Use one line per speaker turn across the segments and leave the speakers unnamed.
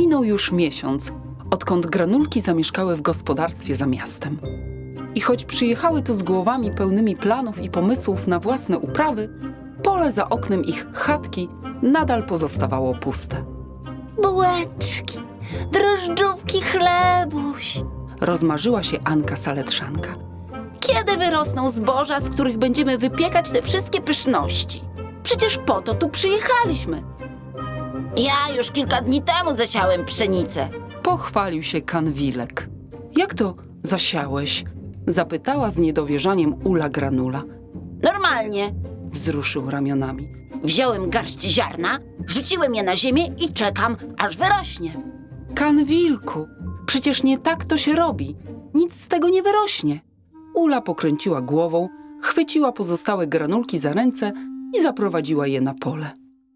Minął już miesiąc, odkąd Granulki zamieszkały w gospodarstwie za miastem. I choć przyjechały tu z głowami pełnymi planów i pomysłów na własne uprawy, pole za oknem ich chatki nadal pozostawało puste.
Bułeczki, drożdżówki, chlebuś.
Rozmarzyła się Anka Saletrzanka.
Kiedy wyrosną zboża, z których będziemy wypiekać te wszystkie pyszności? Przecież po to tu przyjechaliśmy. Ja już kilka dni temu zasiałem pszenicę.
Pochwalił się Kanwilek. Jak to zasiałeś? Zapytała z niedowierzaniem Ula Granula.
Normalnie.
Wzruszył ramionami.
Wziąłem garść ziarna, rzuciłem je na ziemię i czekam, aż wyrośnie.
Kanwilku, przecież nie tak to się robi. Nic z tego nie wyrośnie. Ula pokręciła głową, chwyciła pozostałe granulki za ręce i zaprowadziła je na pole.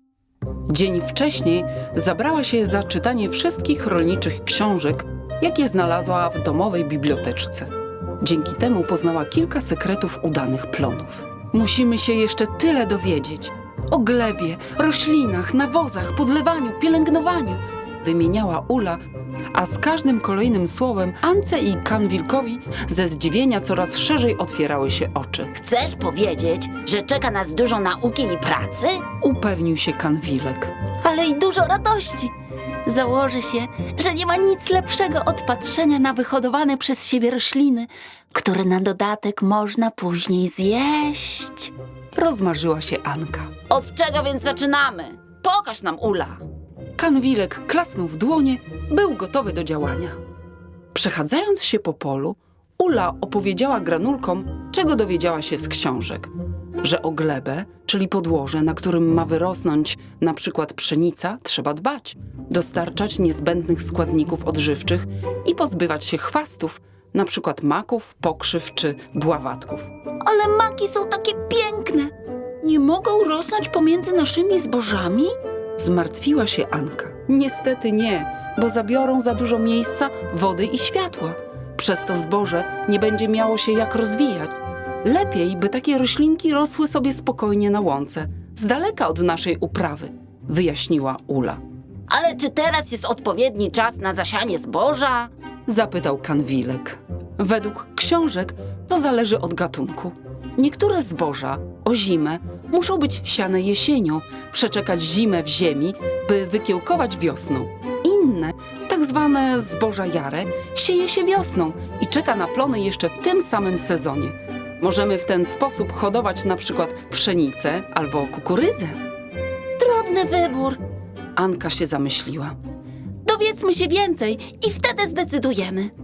Dzień wcześniej zabrała się za czytanie wszystkich rolniczych książek, jakie znalazła w domowej biblioteczce. Dzięki temu poznała kilka sekretów udanych plonów. Musimy się jeszcze tyle dowiedzieć. O glebie, roślinach, nawozach, podlewaniu, pielęgnowaniu. Wymieniała Ula, a z każdym kolejnym słowem Ance i Kanwilkowi ze zdziwienia coraz szerzej otwierały się oczy.
Chcesz powiedzieć, że czeka nas dużo nauki i pracy?
Upewnił się Kanwilek.
Ale i dużo radości. Założę się, że nie ma nic lepszego od patrzenia na wyhodowane przez siebie rośliny, które na dodatek można później zjeść.
Rozmarzyła się Anka.
Od czego więc zaczynamy? Pokaż nam, Ula.
Kanwilek klasnął w dłonie, był gotowy do działania. Przechadzając się po polu, Ula opowiedziała granulkom, czego dowiedziała się z książek. Że o glebę, czyli podłoże, na którym ma wyrosnąć na przykład pszenica, trzeba dbać, dostarczać niezbędnych składników odżywczych i pozbywać się chwastów, na przykład maków, pokrzyw czy bławatków.
Ale maki są takie piękne. Nie mogą rosnąć pomiędzy naszymi zbożami?
Zmartwiła się Anka. Niestety nie, bo zabiorą za dużo miejsca, wody i światła. Przez to zboże nie będzie miało się jak rozwijać. Lepiej, by takie roślinki rosły sobie spokojnie na łące, z daleka od naszej uprawy, wyjaśniła Ula.
Ale czy teraz jest odpowiedni czas na zasianie zboża?
Zapytał Kanwilek. Według książek to zależy od gatunku. Niektóre zboża o zimę muszą być siane jesienią, przeczekać zimę w ziemi, by wykiełkować wiosną. Inne, tak zwane zboża jare, sieje się wiosną i czeka na plony jeszcze w tym samym sezonie. Możemy w ten sposób hodować na przykład pszenicę albo kukurydzę.
Trudny wybór.
Anka się zamyśliła.
Dowiedzmy się więcej i wtedy zdecydujemy.